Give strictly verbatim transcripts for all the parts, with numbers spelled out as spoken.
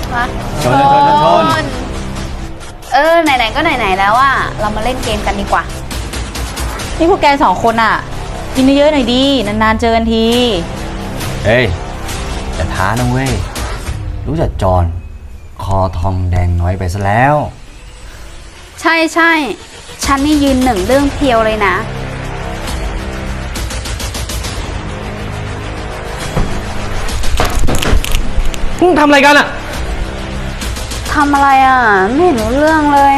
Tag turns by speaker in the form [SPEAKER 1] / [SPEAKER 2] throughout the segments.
[SPEAKER 1] มา
[SPEAKER 2] ชนชนชนชน
[SPEAKER 1] เออไหนๆก็ไหนๆแล้วอ่ะเรามาเล่นเกมกันดีกว่า
[SPEAKER 3] นี่พวกแกสองคนอ่ะกินเยอะๆหน่อยดีนานๆเจอกันที
[SPEAKER 2] เฮ้ยจะท้านะเว้ยรู้จักจอนคอทองแดงน้อยไปซะแล้ว
[SPEAKER 1] ใช่ใช่ฉันนี่ยืนหนึ่งเรื่องเพียวเลยนะ
[SPEAKER 4] มึงทำอะไรกันอะ
[SPEAKER 1] ทำอะไรอ่ะไม่เห็นรู้เรื่องเลย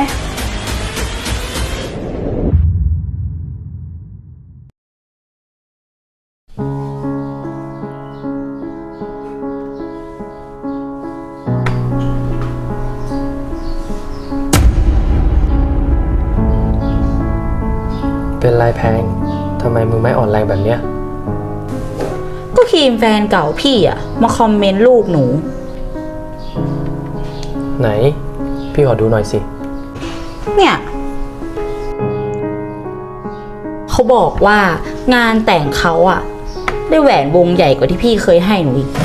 [SPEAKER 4] เป็นไรแพงทำไมมึงไม่อ่อนแรงแบบเนี้ย
[SPEAKER 3] ก็ครีมแฟนเก่าพี่อ่ะมาคอมเมนต์รูปหนู
[SPEAKER 4] ไหนพี่ขอดูหน่อยสิ
[SPEAKER 3] เนี่ยเขาบอกว่างานแต่งเขาอ่ะได้แหวนวงใหญ่กว่าที่พี่เคยให้หนูอีก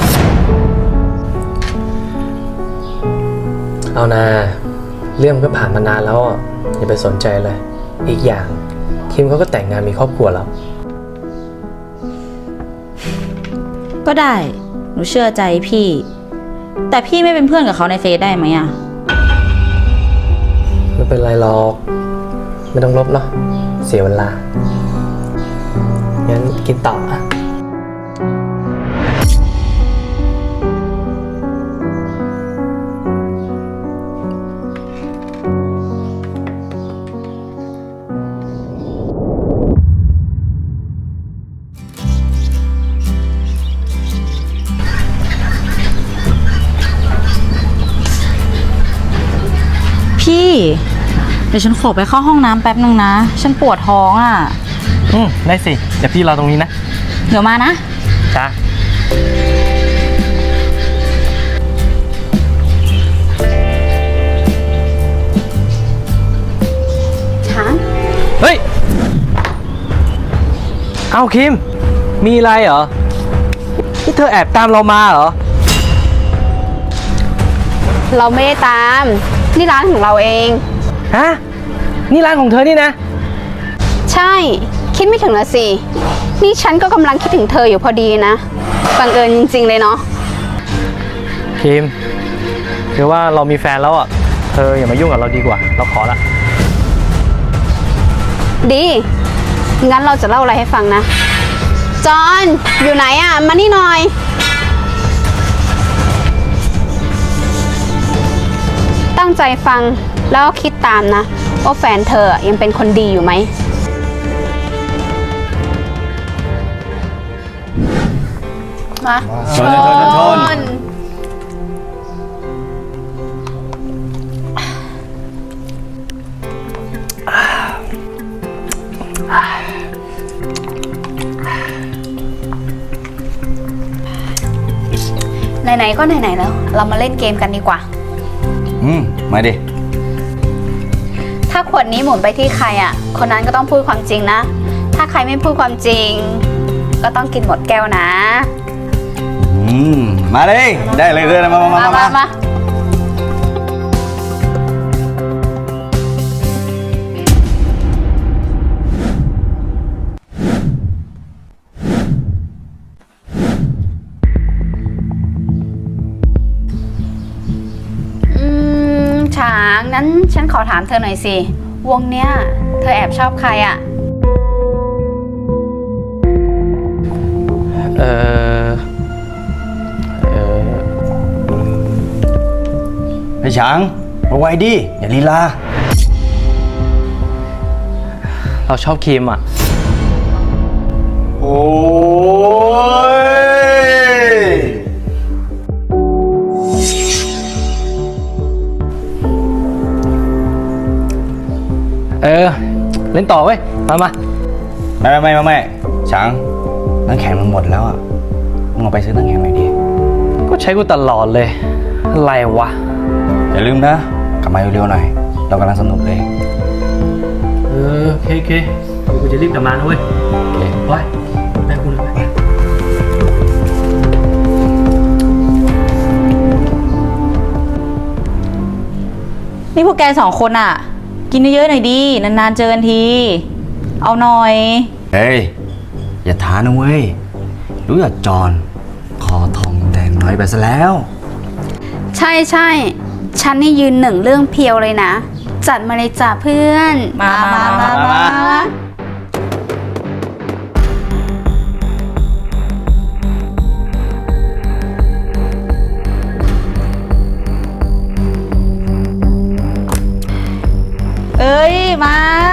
[SPEAKER 4] เอานาเรื่องมันก็ผ่านมานานแล้วอ่ะอย่าไปสนใจเลยอีกอย่างคิมเขาก็แต่งงานมีครอบครัวแล้ว
[SPEAKER 3] ก็ได้หนูเชื่อใจพี่แต่พี่ไม่เป็นเพื่อนกับเขาในเฟซได้ไหมอ่ะ
[SPEAKER 4] ไม่เป็นไรหรอกไม่ต้องลบเนาะเสียเวลางั้นกินต่ออ่ะ
[SPEAKER 3] พี่เดี๋ยวฉันขอไปเข้าห้องน้ำแป๊บนึงนะฉันปวดท้องอ่ะ
[SPEAKER 4] อืมได้สิเดี๋ยวพี่รอตรงนี้นะ
[SPEAKER 3] เดี๋ยวมานะ
[SPEAKER 4] จ้า
[SPEAKER 1] ช้าง
[SPEAKER 4] เฮ้ยเอาคิมมีอะไรเหรอนี่เธอแอบตามเรามาเหรอ
[SPEAKER 1] เราไม่ได้ตามนี่ร้านของเราเอง
[SPEAKER 4] ฮะนี่ร้านของเธอนี่นะ
[SPEAKER 1] ใช่คิดไม่ถึงละสินี่ฉันก็กำลังคิดถึงเธออยู่พอดีนะบังเอิญจริงๆเลยเนาะ
[SPEAKER 4] คิมคือว่าเรามีแฟนแล้วอ่ะเธออย่ามายุ่งกับเราดีกว่าเราขอละ
[SPEAKER 1] ดีงั้นเราจะเล่าอะไรให้ฟังนะจอนอยู่ไหนอ่ะมานี่หน่อยตั้งใจฟังแล้วคิดตามนะว่าแฟนเธอยังเป็นคนดีอยู่ไหมมา
[SPEAKER 2] ชนชนชน
[SPEAKER 1] ไหนๆก็ไหนๆแล้วเรามาเล่นเกมกันดีกว่า
[SPEAKER 2] อืมมาดิ
[SPEAKER 1] ถ้าขวดนี้หมุนไปที่ใครอ่ะคนนั้นก็ต้องพูดความจริงนะถ้าใครไม่พูดความจริงก็ต้องกินหมดแก้วนะ
[SPEAKER 2] อืมมาเลยได้เลยเลยมามามามามา
[SPEAKER 1] ช้างนั้นฉันขอถามเธอหน่อยสิวงเนี้ยเธอแอบชอบใครอ่ะ
[SPEAKER 4] เออเออ
[SPEAKER 2] ไอ้ช้างมาไวดิอย่าลีลา
[SPEAKER 4] เราชอบคิมอ่ะ
[SPEAKER 2] โอ้ย
[SPEAKER 4] เออเล่นต่อเว้ยมามา
[SPEAKER 2] ไม่ไม่ไม่ไม่ช้างน้ำแข็งมันหมดแล้วอ่ะมึงเอาไปซื้อน้ำแข็งหน่อยดิ
[SPEAKER 4] ก็ใช้กูตลอดเลยอะไรวะ
[SPEAKER 2] อย่าลืมนะกลับมาเร็วๆหน่อยเรากำลังสนุกเลย
[SPEAKER 4] เออโอเคโอเคเดี๋ยวกูจะรีบกลับมานะเว้ยโอเคไปไปกูเลยไป
[SPEAKER 3] นี่พวกแกสองคนอ่ะ กินเยอะๆหน่อยดี นานๆเจอกันที เอาหน่อย
[SPEAKER 2] เฮ้ย อย่าท้านะเว้ย รู้จักจอนคอทองแดงน้อยไปซะแล้ว
[SPEAKER 1] ใช่ใช่ฉันนี่ยืนหนึ่งเรื่องเพียวเลยนะ จัดมาเลยจ้ะเพื่อน
[SPEAKER 3] มามามา
[SPEAKER 2] มา
[SPEAKER 3] เอ้ย มา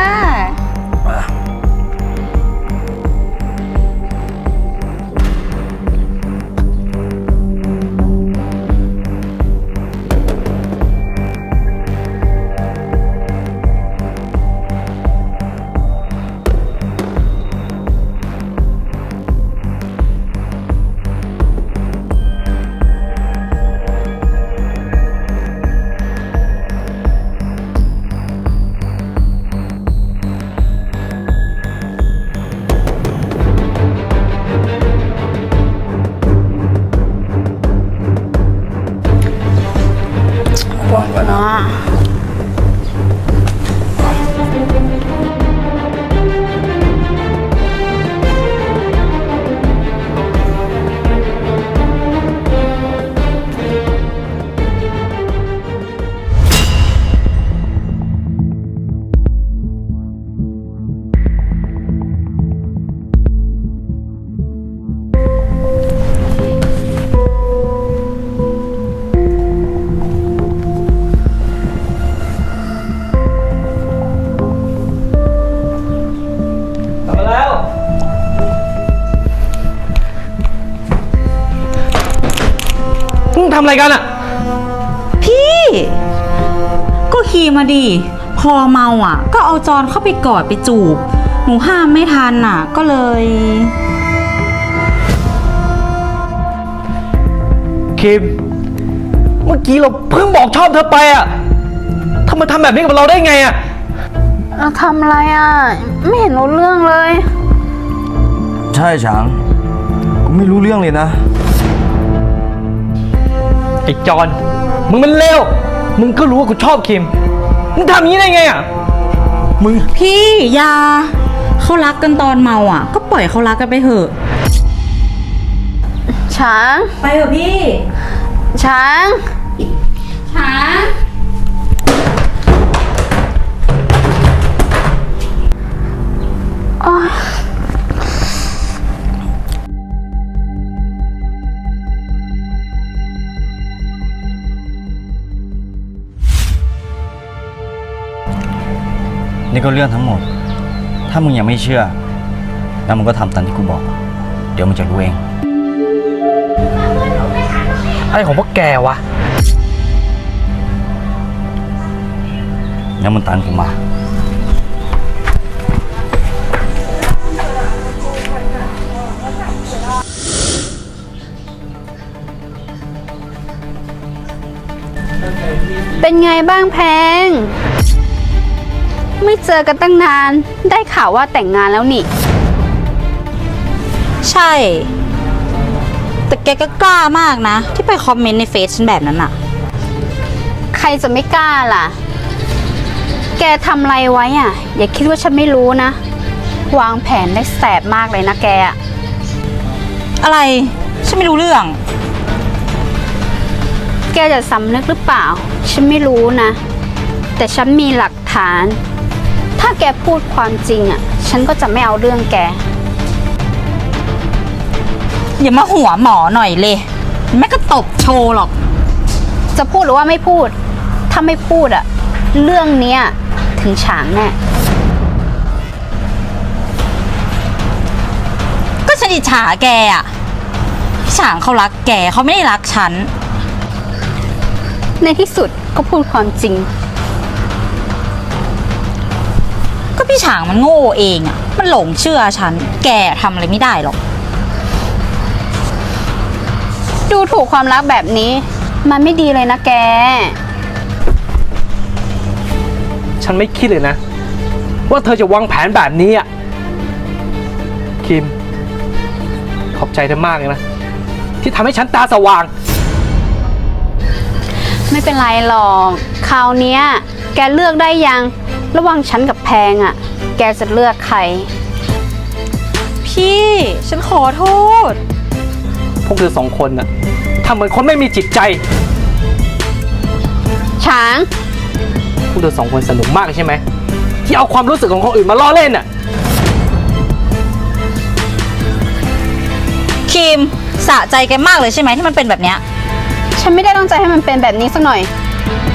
[SPEAKER 1] เนาะ
[SPEAKER 4] ทำมาแล้วมึงทำอะไรกันอะ
[SPEAKER 3] พี่ ก็ขี่มาดิ พอเมาอ่ะ ก็เอาจอนเข้าไปกอดไปจูบ หนูห้ามไม่ทันอ่ะ ก็เลย
[SPEAKER 4] คิม เมื่อกี้เราเพิ่งบอกชอบเธอไปอะทำไมทำแบบนี้กับเราได้ไงอะ
[SPEAKER 1] เราทำอะไรอ่ะ ไม่เห็นรู้เรื่องเลย
[SPEAKER 2] ใช่ฉางกูไม่รู้เรื่องเลยนะ
[SPEAKER 4] ไอ้จอน มึงมันเลว มึงก็รู้ว่ากูชอบคิม มึงทำอย่างนี้ได้ไงอะมึง
[SPEAKER 3] พี่อยาเขารักกันตอนเมาอ่ะ ก็ปล่อยเขารักกันไปเถอะ
[SPEAKER 1] ช้าง
[SPEAKER 3] ไปเถอะพี่
[SPEAKER 1] ช้าง
[SPEAKER 3] ช้า
[SPEAKER 1] โอ๊ย
[SPEAKER 2] นี่ก็เรื่องทั้งหมด ถ้ามึงยังไม่เชื่อ แล้วมึงก็ทำตามที่กูบอก เดี๋ยวมึงจะรู้เอง
[SPEAKER 4] อะไรของพวกแกวะ
[SPEAKER 2] แล้วมึงตามกูมา
[SPEAKER 1] เป็นไงบ้างแพง ไม่เจอกันตั้งนาน ได้ข่าวว่าแต่งงานแล้วนี่
[SPEAKER 3] ใช่ แต่แกก็กล้ามากนะ ที่ไปคอมเมนต์ในเฟซฉันแบบนั้นอ่ะ
[SPEAKER 1] ใครจะไม่กล้าล่ะ แกทำอะไรไว้อ่ะ อย่าคิดว่าฉันไม่รู้นะ วางแผนได้แสบมากเลยนะแกอะ
[SPEAKER 3] อะไร ฉันไม่รู้เรื่อง
[SPEAKER 1] แกจะสำนึกหรือเปล่า ฉันไม่รู้นะ แต่ฉันมีหลักฐาน ถ้าแกพูดความจริงอ่ะ ฉันก็จะไม่เอาเรื่องแก
[SPEAKER 3] อย่ามาหัวหมอหน่อยเลย แม่ก็ตบโชว์หรอก
[SPEAKER 1] จะพูดหรือว่าไม่พูด ถ้าไม่พูดอ่ะ เรื่องเนี้ยถึงฉางแน่
[SPEAKER 3] ก็ฉันอิจฉาแกอ่ะพี่ฉางเขารักแกเขาไม่ได้รักฉัน
[SPEAKER 1] ในที่สุดก็พูดความจริง
[SPEAKER 3] ก็พี่ฉางมันโง่เองอ่ะ มันหลงเชื่อฉัน แกทำอะไรไม่ได้หรอก
[SPEAKER 1] ดูถูกความรักแบบนี้ มันไม่ดีเลยนะแก
[SPEAKER 4] ฉันไม่คิดเลยนะ ว่าเธอจะวางแผนแบบนี้อ่ะ คิม ขอบใจเธอมากเลยนะ ที่ทำให้ฉันตาสว่าง
[SPEAKER 1] ฉไม่เป็นไรหรอก คราวเนี้ย แกเลือกได้ยัง ระหว่างฉันกับแพงอะแกจะเลือกใคร
[SPEAKER 3] พี่ฉันขอโทษ
[SPEAKER 4] พวกเธอสองคนน่ะทำเหมือนคนไม่มีจิตใจ
[SPEAKER 1] ช้าง
[SPEAKER 4] พวกเธอสองคนสนุกมากใช่ไหม ที่เอาความรู้สึกของคนอื่นมาล้อเล่นน่ะ
[SPEAKER 3] คิมสะใจแกมากเลยใช่ไหมที่มันเป็นแบบเนี้ย
[SPEAKER 1] ฉันไม่ได้ตั้งใจให้มันเป็นแบบนี้สักหน่อย